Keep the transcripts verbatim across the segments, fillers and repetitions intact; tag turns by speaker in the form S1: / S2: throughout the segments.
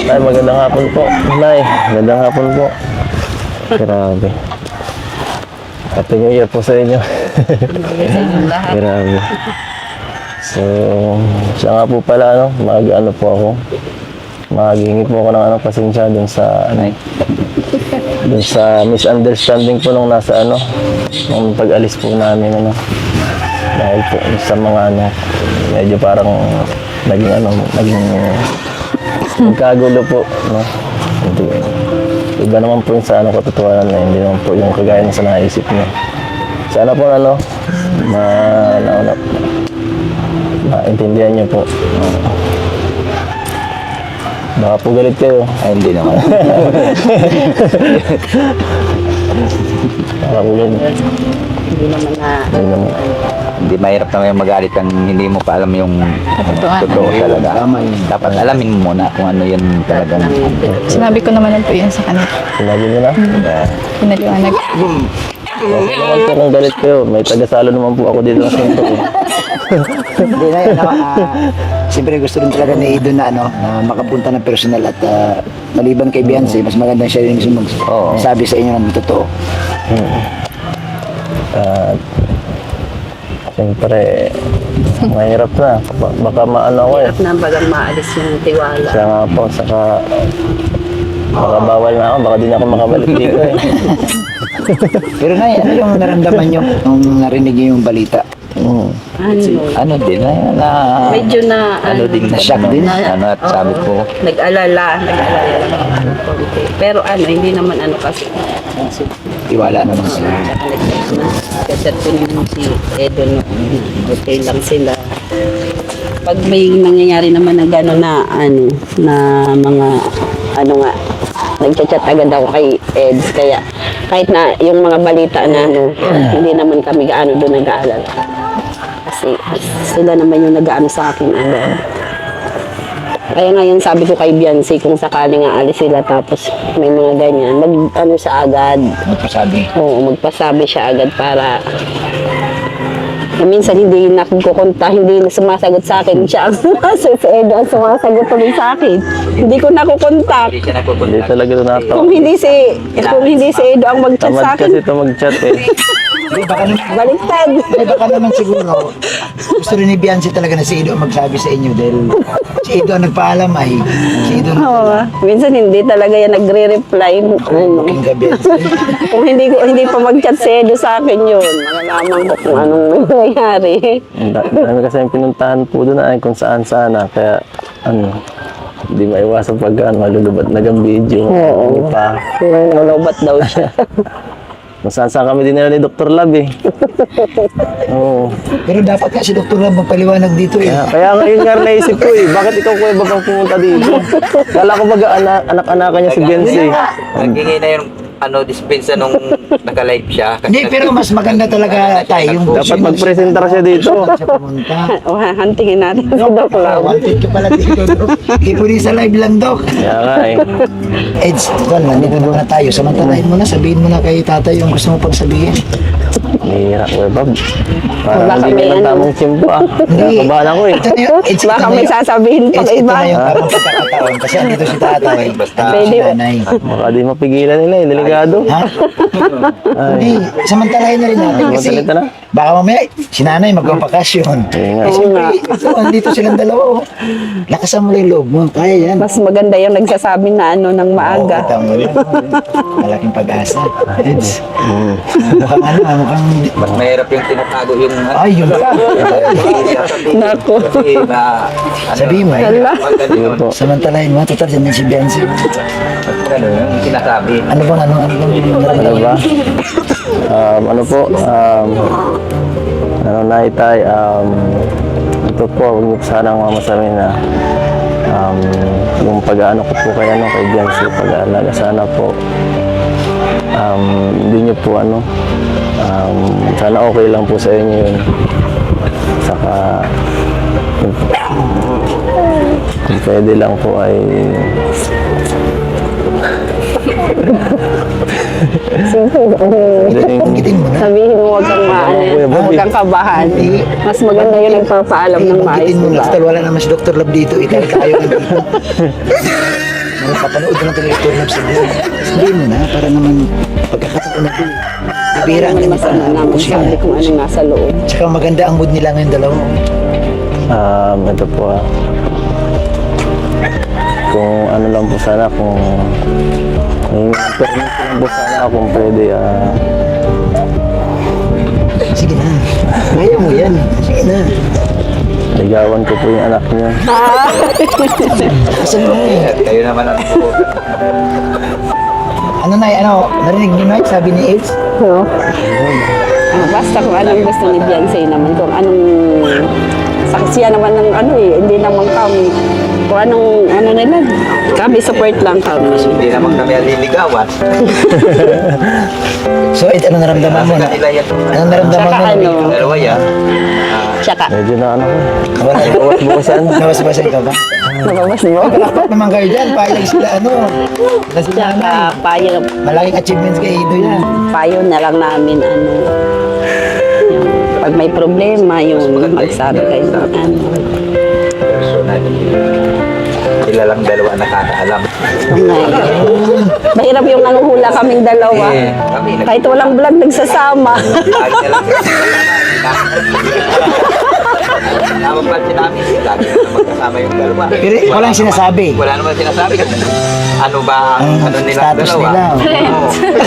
S1: Nay, magandang hapon po. Nay, magandang hapon po. Grabe. Happy New Year po sa inyo.
S2: Sa inyong lahat.
S1: Grabe. So, siya nga po pala, ano, mag-ano po ako. Maghingi po ako ng ano, pasensya dun sa, ano, dun sa misunderstanding po nung nasa, ano, nung pag-alis po namin, ano. Dahil po sa mga, ano, medyo parang naging, ano, naging magkagulo po, no. Hindi, iba naman po yung sa, ano, katotohanan na, hindi naman po yung kagaya na sa naisip niyo. Sana po, ano, ma, ano, ano, maintindihan niyo po. Baka po galit kayo.
S3: Ay, hindi naman.
S1: Baka po galit.
S2: Hindi naman na...
S1: Hindi naman.
S3: Hindi mahirap naman yung magalit kang hindi mo pa alam yung
S2: Katotohanan.
S3: totoo talaga. Dapat alamin mo muna kung ano yun talagang.
S4: Sinabi ko naman po yun sa kanila.
S1: Sinabi mo na?
S4: Pinaliwanag.
S1: Okay naman po kung galit kayo. May tagasalo naman po ako dito sa ito.
S5: Hindi na yun, ano, ah, siyempre gusto rin talaga ni Ido na, ano, na makapunta ng personal at ah, maliban kay Beyonce, mas maganda siya rin yung
S3: Oo.
S5: sabi sa inyo ng totoo.
S1: At siyempre, mahirap na. Ba- Baka maano ako eh.
S2: Hirap na bagang maalis yung tiwala.
S1: Siya nga po, saka baka bawal na ako. Baka di na ako makabalik dito eh.
S5: Pero na, ano yung naramdaman nyo nung narinig nyo yung balita?
S1: Mm.
S2: Ano?
S3: Ano din na, na
S2: Medyo na...
S3: ano din
S5: na-shock
S3: ano,
S5: din.
S3: ano at sabi ko
S2: Nag-alala. Nag-alala lang. Konti. Pero ano, hindi naman ano kasi.
S5: Iwala naman sila.
S2: Kasi ko naman si Edo no. Okay lang sila. Pag may nangyayari naman na gano'n na ano, na mga ano nga, nagchat-chat agad ako kay Eds. Kaya kahit na yung mga balita na ano, hindi naman kami gaano doon nag-aalala. Kasi sila naman yung nag-aano sa akin agad. Kaya ngayon sabi ko kay Beyonce, kung sakaling aalis sila tapos may mga ganyan, mag ano sa agad.
S5: Magpasabi.
S2: Oo, magpasabi siya agad para na minsan hindi na kukunta, hindi na sumasagot sa akin. Siya ang sumasagot, si Edo ang sumasagot tuloy sa akin. Hindi ko nakukontak.
S3: hindi siya
S1: Hindi
S3: napupunta.
S1: talaga ito natawa.
S2: Kung hindi si, kung hindi si Edo ang mag-chat
S1: Tamad
S2: sa
S1: kasi
S2: akin,
S1: ito mag-chat eh.
S5: Hindi, baka naman,
S2: baliktad.
S5: hindi, baka naman siguro, gusto rin ni Beyonce talaga na si Ido ang magsabi sa inyo dahil si Ido ang nagpaalam ay, si Ido ang
S2: Oo, minsan hindi talaga yan nagre-reply. Ano.
S5: King ka Beyonce.
S2: Kung hindi ko hindi pa mag-chat si Edo sa akin yun, malalaman ko kung anong nangyayari.
S1: Ang da- Dami kasi yung pinuntahan po doon ay kung saan sana. Kaya ano, hindi maiwasan pag ano, malulubat na ang video.
S2: Oo.
S1: Hindi pa.
S2: Nalobat daw siya.
S1: Kung saan saan kami din nila ni Doctor Lab eh. Oo.
S5: Pero dapat nga si Doktor Lab magpaliwanag dito eh.
S1: Kaya, kaya ngayon nga naisip ko eh, bakit ikaw kuya bagang pumunta dito? Kala ko baga anak, anak-anakan niya si Benzi.
S3: Naghingi na yung ano, dispensa nung naka-live siya. Kasi
S5: Hindi, pero mas maganda talaga tayo yung
S1: Dapat magpresentar siya dito.
S5: siya pumunta.
S2: O, hantingin natin si Doc Lau.
S5: Wanted ka pala dito, Dok. Hindi po din sa live lang, Dok.
S1: Kaya nga eh.
S5: Eds, Don, nandito muna tayo. Samantalahin mo na, sabihin mo na kay tatay yung gusto mo pang sabihin.
S1: Nihira ko eh, Bob. Parang
S2: Baka
S1: hindi
S2: may
S1: ka ng
S2: ano.
S1: tamang tsimpo ah. Nakabahan ako eh.
S5: Ito na yun, Eds, ito
S2: Baka
S5: na
S2: may
S5: yun.
S2: sasabihin pa
S5: Eds,
S2: kay
S5: ito
S2: iba.
S5: na yung tamang pagkakataon. Kasi andito si tatay.
S3: Basta.
S5: andito si nanay.
S1: Baka di mapigilan nila eh, delikado.
S5: Ha? Hindi, samantalahin na rin natin kasi
S1: Samantalita na.
S5: baka mamaya si nanay magpapakasyon.
S1: Kaya nga.
S5: Eh, siyempre, ito, andito silang dalawa. oh. Lakasan mo lang yung loob mo. Kaya yan.
S2: Mas maganda yung nagsasabi na ano ng maaga.
S5: Oo, tama yan. Malaking pag-asa. Eds. Mukhang ano, ah, mukhang...
S3: Mas mahirap yung tinatago yung
S5: Ay, yun pa.
S2: Naku.
S3: Kasi na ano,
S5: Sabihin mo, eh.
S2: Hala.
S3: pag ganun,
S1: Po.
S5: Samantalahin mo, total dyan din si Beyonce.
S3: ano, yung sinasabi.
S5: Ano bang, ano, ano bang
S1: Ano
S5: nararamdaman?
S1: ba? Um, ano po? Um, ano na itay? Um, ito po, huwag niyo po sanang mamasamin na um, yung pag-ano ko po kay ano, kay Beyonce, pag-aalaga sana po. Um, hindi niyo po ano, um, sana okay lang po sa inyo yun. Saka, yun po. Kung pwede lang po ay
S5: Banggitin mo na.
S2: Sabihin mo huwag kang maano,
S1: Kuya Bobby.
S2: huwag kang kabahan. Mas maganda yung nagpapaalam ng maayos.
S5: Banggitin mo na.
S2: diba?
S5: Total, wala naman si Doctor Lab dito. Ikaw tayo nandito. Nakapanood ko ng Teletor Love sa buhay. Sabihin mo na, para naman pagkakataon na ito. Bibira ang
S2: Mas ano namin sabi kung ano nasa loob.
S5: Tsaka maganda ang mood nila ngayon dalawa.
S1: Um, ito po ah. Kung ano lang po sana, kung may permit lang po sana kung pwede ah.
S5: Sige na. Kaya mo yan. Sige na.
S1: Ligawan ko po yung anak niya.
S5: Asan mo eh?
S3: Kayo naman ang
S5: Ano na ano? Narinig niyo na sabi ni Eds?
S2: No? Ah, basta kung anong gusto ni Beyonce naman, kung anong saksiya naman ng ano eh, hindi naman kami. Kung anong ano nila, kami support lang kami.
S3: Hindi naman kami aliligawan.
S5: So Ed, ano naramdaman mo na?
S3: Nila yan.
S5: Ano naramdaman
S2: Tsaka
S5: mo na?
S2: ano,
S3: Dalawa yan.
S2: tsaka,
S1: Medyo na ano ko.
S5: Wala.
S1: Bawas-bawasan.
S5: Nawas-bawasan ka ba?
S2: nababas mo?
S5: Dapat naman kayo dyan. Payag sila ano. Sila sila
S2: Tsaka,
S5: na.
S2: payo,
S5: Malaking achievements kay Ido yan.
S2: payo na lang namin, ano, yung, pag may problema, yung magsabi kayo, ano,
S3: Personal. Sila lang dalawa nakakaalam.
S2: ngayon. Mahirap yung nanguhula kaming dalawa.
S3: Eh, kami nag-
S2: Kahit walang vlog, nagsasama.
S3: Lagi na lang Tama pa sinabi, lagi na lang magkasama yung dalawa.
S5: Pero walang
S3: naman-
S5: sinasabi.
S3: Wala naman sinasabi kasi ano ba ang
S5: Ang
S3: ano nila
S5: status
S3: dalawa.
S5: nila.
S3: Oo.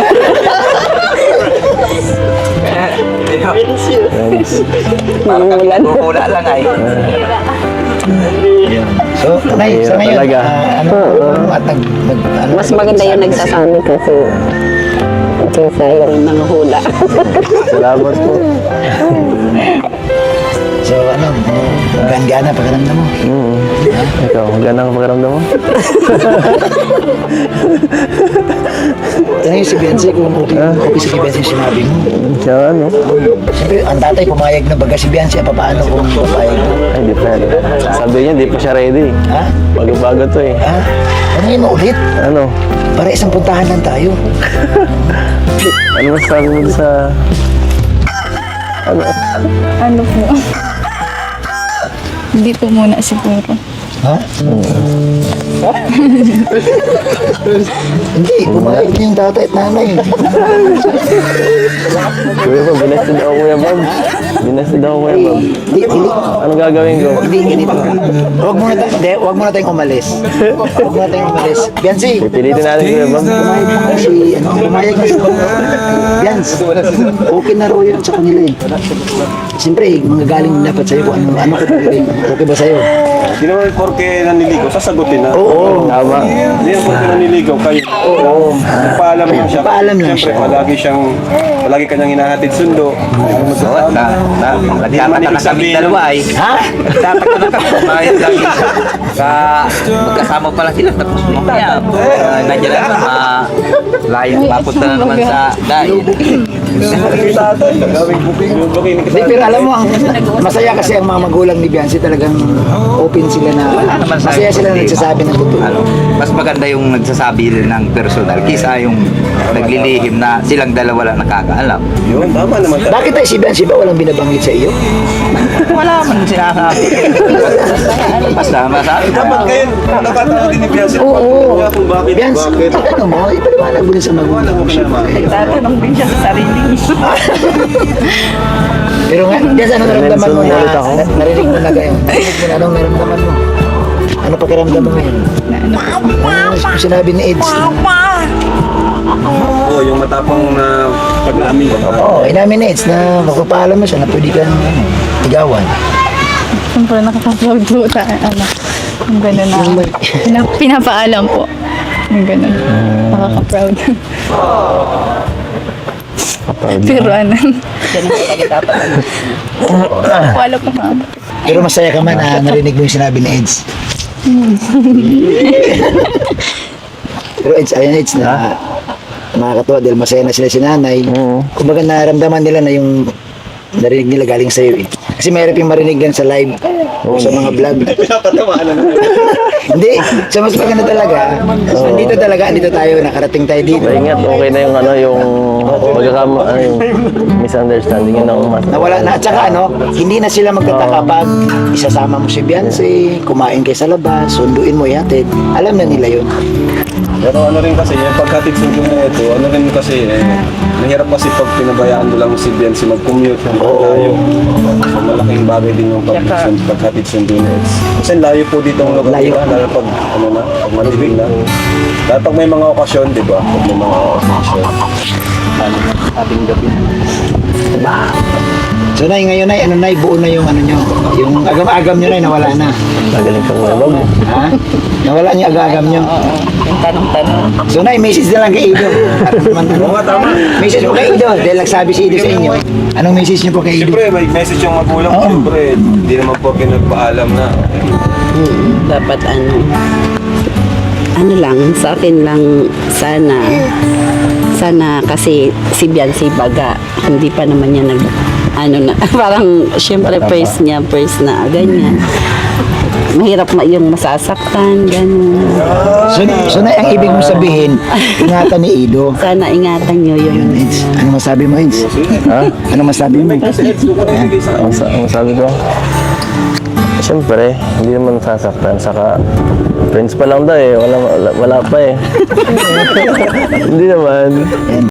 S3: Parang kami
S2: Nanguhulan.
S3: nagkuhula lang ay.
S5: So, Nay, sa
S1: Mahirap
S5: ngayon,
S1: talaga.
S5: ah, ano, ano, at nag, nag, ano,
S2: Mas maganda yung nagsasami kasi kaysa yung nanguhula.
S1: Salamat po.
S5: So, ano, gaan-gana pakiramdam mo.
S1: Mm. Ikaw, maganda ang pakiramdam mo?
S5: Tanong yung si Beyonce kung okay, okay si Beyonce yung sinabi mo.
S1: Siya ano?
S5: Siyempre, ang tatay pumayag na baga si Beyonce, pa paano kung papayag mo?
S1: Ay, di pa. Sabi niya, di pa siya ready.
S5: Ha?
S1: Bago-bago to eh.
S5: Ha? Ano yun ulit?
S1: Ano?
S5: Para isang puntahan lang tayo.
S1: Ano mas sabi mo sa... Ano?
S4: Ano po? Hindi po muna siguro.
S5: Ha? Hindi, pumayag na yung tatay at nanay.
S1: Kuya Bob, binasted ako Kuya Bob. Binasted ako Kuya Bob.
S5: Hindi, hindi.
S1: Ano gagawin ko?
S5: Hindi, ganito. Huwag muna tayo, hindi, huwag muna tayong umalis. Huwag muna tayong umalis. Beyonce,
S1: Pipilitin natin Kuya Bob.
S5: pumayag na si, ano, pumayag na si Beyonce. Okay na raw yun sa kanila eh. Siyempre, manggagaling dapat sa'yo kung ano, ano ka pipiliin. Okay ba sa'yo?
S6: Hindi naman porke naniligaw, sasagutin na.
S5: Oo.
S1: Tama.
S6: Hindi naman porke naniligaw kayo. Oo. Nagpaalam lang siya.
S5: Nagpaalam lang
S6: Siyempre,
S5: siya.
S6: palagi siyang, palagi kanyang hinahatid sundo.
S3: Oo,
S6: Magkasama.
S3: na, na, nagtataka na kami dalawa ay.
S5: Ha?
S3: Nagtataka na kami. Kumayag lagi. Ka, magkasama pala sila. Tapos mamaya, uh, nandiyan na naman, ma, layang mapunta na naman sa dahil.
S6: Gawing booking. Yung booking ni
S5: Hindi, pero alam mo, ang masaya kasi ang mga magulang ni Beyonce talagang open sila na,
S3: naman sa-
S5: masaya sila na nagsasabi ng totoo.
S3: Ano, mas maganda yung nagsasabi ng personal kisa yung naglilihim na silang dalawa lang nakakaalam.
S6: Yun, tama naman.
S5: Bakit tayo si Beyonce ba walang binabanggit sa iyo?
S3: Wala man sinasabi. Basta masabi.
S6: Dapat kayo, nakatawa din ni Beyonce.
S5: Oo.
S6: Kung bakit,
S5: Beyonce,
S6: bakit.
S5: ano mo, ipaliwanag mo din sa magulang mo siya.
S2: Tatanong din siya sa sarili niya.
S5: Pero nga, Beyonce, ano naramdaman mo na,
S1: Ulit ako.
S5: na- narinig mo na gayon? Narinig mo na, anong naramdaman mo? Ano pakiramdam mo ngayon? Ano yung sinabi ni Eds?
S6: Oo, yung matapang na pag-amin.
S5: Oo, oh, inamin ni Eds na magpapaalam mo siya na pwede kang ano, ligawan.
S4: Siyempre nakaka-proud po tayo. Ano, yung gano'n na. Pina- pinapaalam po. Yung gano'n. Nakaka-proud. Pero ano, wala po ma'am.
S5: Pero masaya ka man na narinig mo yung sinabi ni Eds. Pero Eds, ayun Eds na nakakatuwa dahil masaya na sila si nanay.
S1: Oo.
S5: Kumbaga naramdaman nila na yung narinig nila galing sa'yo eh. Kasi mahirap yung marinig yan sa live o sa mga vlog.
S6: Pinapatamaan na.
S5: Hindi, sa mas maganda talaga. Nandito talaga, andito tayo, nakarating tayo dito.
S1: Ingat, okay na yung ano, yung pagkakam, ano yung misunderstanding yun ang mas...
S5: Nawala na. At saka ano, hindi na sila magtataka pag isasama mo si Beyonce, kumain kayo sa labas, sunduin mo yatid. Alam na nila yun.
S6: Pero ano rin kasi, yung paghatid sundo na ito, ano rin kasi, eh, mahirap kasi pag pinabayaan mo lang si Biancy mag-commute, oh, layo. So, malaking bagay din yung pag paghatid sundo na ito. Kasi layo po dito ang lugar
S5: Layo.
S6: nila, lalo pag, ano na, pag madilig na. Lalo pag may mga okasyon, di ba? Pag may mga okasyon. Ano na, ating gabi.
S5: So, Nay, ngayon, Nay, ano, Nay, buo na yung ano nyo. Yung agam-agam nyo, Nay, nawala na.
S1: Magaling kang malabog.
S5: Ha? Nawala yung agam-agam nyo.
S2: Oo, yung tanong-tanong.
S5: So, Nay, message na lang kay Ido. Oo nga, tama. Message mo kay Ido, dahil nagsabi si Ido sa inyo. Anong message nyo po kay Ido?
S6: Siyempre, may message yung magulang ko. Siyempre, hindi naman po pinagpaalam na.
S2: Mm, dapat ano, ano lang, sa akin lang sana, sana kasi si Biancy baga, hindi pa naman niya nag, ano na, parang syempre first niya, first na, ganyan. Mahirap ma yung masasaktan, gano'n.
S5: So, so Nay, ang ibig mong sabihin, ingatan ni Ido.
S2: Sana ingatan nyo
S5: Yun,
S2: yun.
S5: Eds. Ano masabi mo, Eds?
S1: Ha?
S5: Ano masabi mo?
S1: Ang, sa- ang sabi ko, siyempre, hindi naman sasaktan. Saka, friends pa lang daw eh. Wala, wala, wala pa eh. Hindi naman.